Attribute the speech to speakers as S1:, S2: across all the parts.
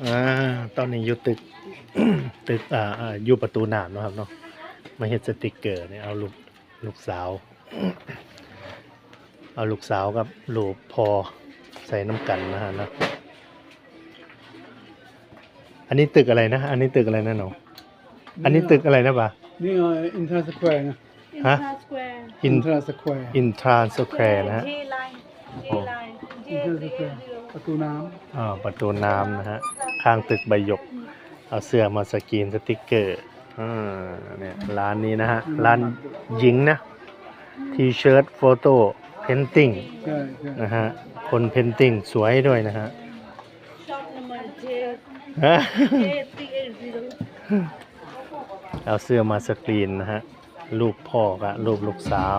S1: อ่าตอนนี้อยู่ตึก ตึกอยู่ประตูน้ำนะครับเนาะมาเฮ็ดสติกเกอร์เนี่ยเอาลูกสาว เอาลูกสาวกับลูกพอใส่น้ำกันนะฮะนะอันนี้ตึกอะไรนะอันนี้ตึกอะไรนะน้องอันนี้ตึกอะไรนะปะ
S2: นี่อินทราสแควร์นะ
S1: ฮะ
S2: อินทราสแควร์
S1: อินทรานสแควร์นะฮะ
S2: อินทราสแควร์ประตูน้
S1: ประตูน้ำนะฮะข้างตึกใบหยกเอาเสื้อมาสกรีนสติกเกอร์เนี่ยร้านนี้นะฮะร้านหญิงนะทีเชิ้ตโฟโต้เพนติ้ง
S2: ำใช่ใช่
S1: นะฮะคนเพนติ้งสวยด้วยนะฮะ
S3: Shop number J
S1: เอาเสื้อมาสกรีนนะฮะรูปพ่อกับรูปลูกสาว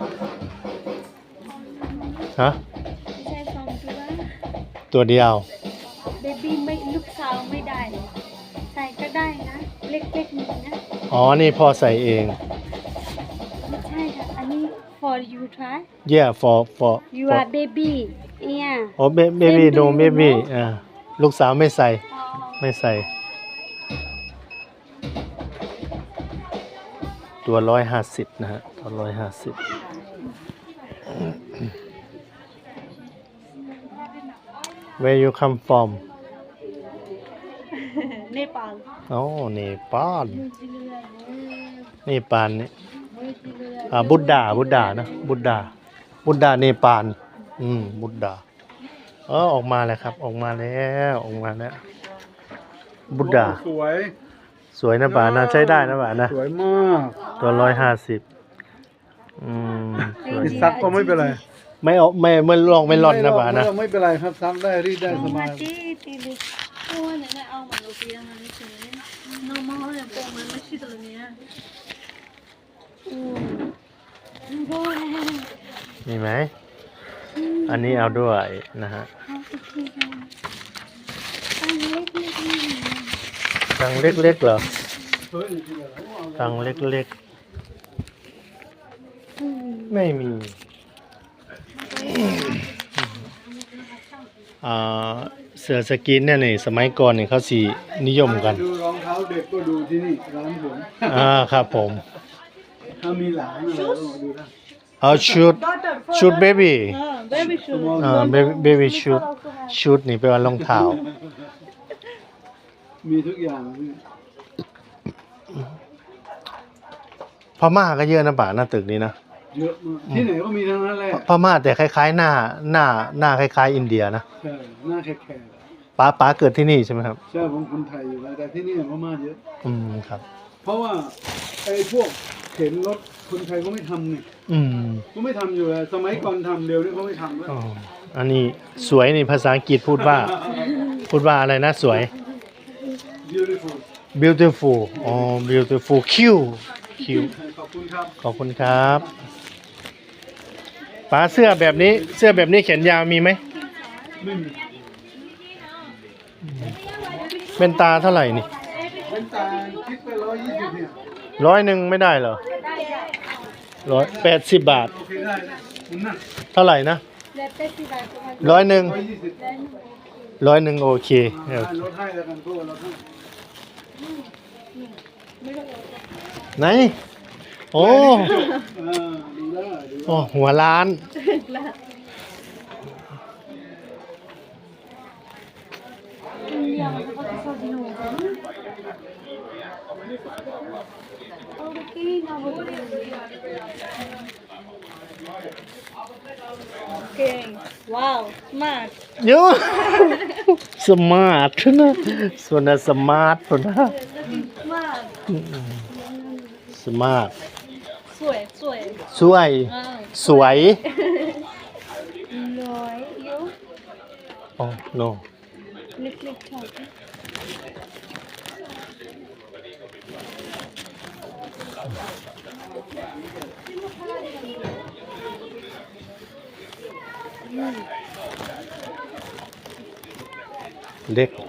S1: ฮะ
S3: ใช่สองตัว
S1: ตัวเดียว
S3: เบบี้ไม่ลูกสาวไม่ได้ ใส่ก็ได้นะ เล็กๆนี่นะ
S1: อ๋อนี่พ่อใส่เอง
S3: ไม่ใช่ค่ะ อันนี้ for you try
S1: yeah for
S3: you are baby yeah
S1: โอ้เบบี้โนเบบี้ลูกสาวไม่ใส่ ไม่ใส่ ตัว150นะฮะตัว150Where you come from
S3: เนปาล
S1: โอ้เนปาลเนปาลนี่บุตดานะบุตดาเนปาลบุตดาออกมาแล้วครับออกมาแล้วบุตดา
S2: สวย
S1: สวยนะป่านะใช้ได้นะป่านะ
S2: สวยมาก
S1: ตัว150สวย
S2: ติดซักก็ไม่เป็นไร
S1: ไม่ออกไม่ลองไม่ร่อนนะป่านะ
S2: ไม่เป็นไรครับซักได้รีดได้สบาย
S3: ตีลิโอ้ยเนี่ยเอามาลูกพี่นะนี่คือน้องมาเขาเนี่ยปองมันไม่ใช่ตัวเนี้ยโอ้ย
S1: มีไหมอันนี้เอาด้วยนะฮะ
S3: ตั้งเล็กๆนี่
S1: ตังเล็กๆเหรอ
S2: เฮ้ย
S1: ตังเล็กๆไม่มีเสือสกินเนี่ยนี่สมัยก่อนเนี่ยเขาสีนิยมกัน
S2: ดูรองเท้าเด็กก็ดูที่นี่ร้านผม
S1: ครับผม
S2: ถ้ามีหลานอะไรก็มาดูได้
S1: เอาชุดเบบี้
S3: baby shoe
S1: เบบี้ชุดนี่เป็นว่ารองเท้า
S2: มีทุกอย่างพี่
S1: พม่าก็เยอะนะป่าหน้าตึกนี้นะ
S2: เยอะมากที่ไหนก็มีทั้งนั้นแหละ
S1: พม่าแต่คล้ายๆหน้าคล้ายๆอินเดียนะ
S2: ใช่หน้าแขก
S1: ป๋าเกิดที่นี่ใช่ไหมครับ
S2: ๆใช่ผมคนไทยอยู่แล้วแต่ที่นี่พม่าเยอะ
S1: ครับ
S2: เพราะว่าไอ้พวกเข็นรถคนไทยก็ไม่ทำเนี่ย ก็ไม่ทำอยู่แล้วสมัยก่อนทำเร็วนี่เขาไม่ทำแล้ว
S1: อันนี้สวยนี่ภาษาอังกฤษพูดว่าอะไรนะสวย
S2: beautiful
S1: beautiful beautiful cute
S2: ขอบคุณครับ
S1: ขอบคุณครับป๋าเสื้อแบบนี้แขนยาวมีไหม
S2: ไม่มี
S1: เป็นตาเท่าไหร่นี่
S2: เป็นตาคิดไป120เนี่ย
S1: 100ไม่ได้เหรอ180 บาท
S2: โอเคได้มันนั่น
S1: เท่าไหร่นะ
S3: แล้วแต่ที่บ้านก็มา
S1: 120 100โอเค
S2: ลดให้แล้วกันเพราะว่าเราต้อง
S1: ไหนโอ้
S2: ดูได้ดู
S1: โอ้หัวล้าน
S3: Okay. Wow, smart.
S1: เยอะ สมาร์ทนะส่วนน่ะสมาร์ทส่วนนะ
S3: Smart.
S1: สมาร์ท
S3: สวย
S1: สวยสวย
S3: น้อยเยอะ
S1: โอ้ no
S3: เล็กๆค่ะ
S1: เล็ก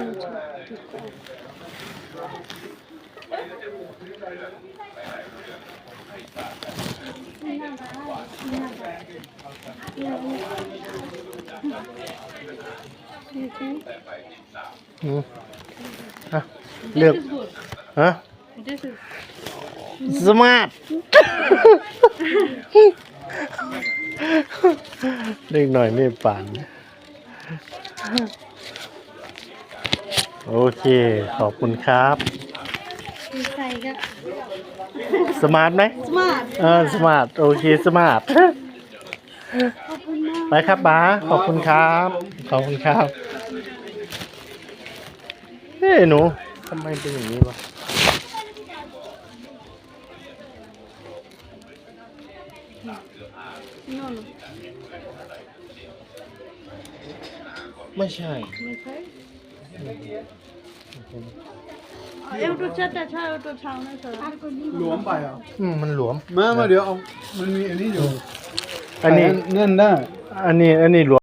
S1: อืมอ่ะเลือก
S3: This is good.
S1: ฮะ
S3: This is
S1: สมาร์ท เล็กหน่อยนี่ป่าน โอเค ขอบคุณครับ
S3: ใส่ก็
S1: สมาร์ทไหม
S3: smart
S1: สมาร์ท โอเค สมาร์ท
S3: ขอบคุณมาก
S1: ไปครับบ้าขอบคุณครับ ขอบคุณครับ เฮ้ยหนูทำไมเป็นอย่างนี้วะ
S3: โน่น
S1: ไม่ใช่
S3: ไม่ใช่เอาตัวชัดแต่ใช่เอาตัวเช้านะเธอ
S2: หลวมไปเหรอ
S1: มันหลวม
S2: มาเดี๋ยวเอามันมีอันนี้อยู่
S1: อันนี้
S2: เงื่อนได้
S1: อันนี้หลวม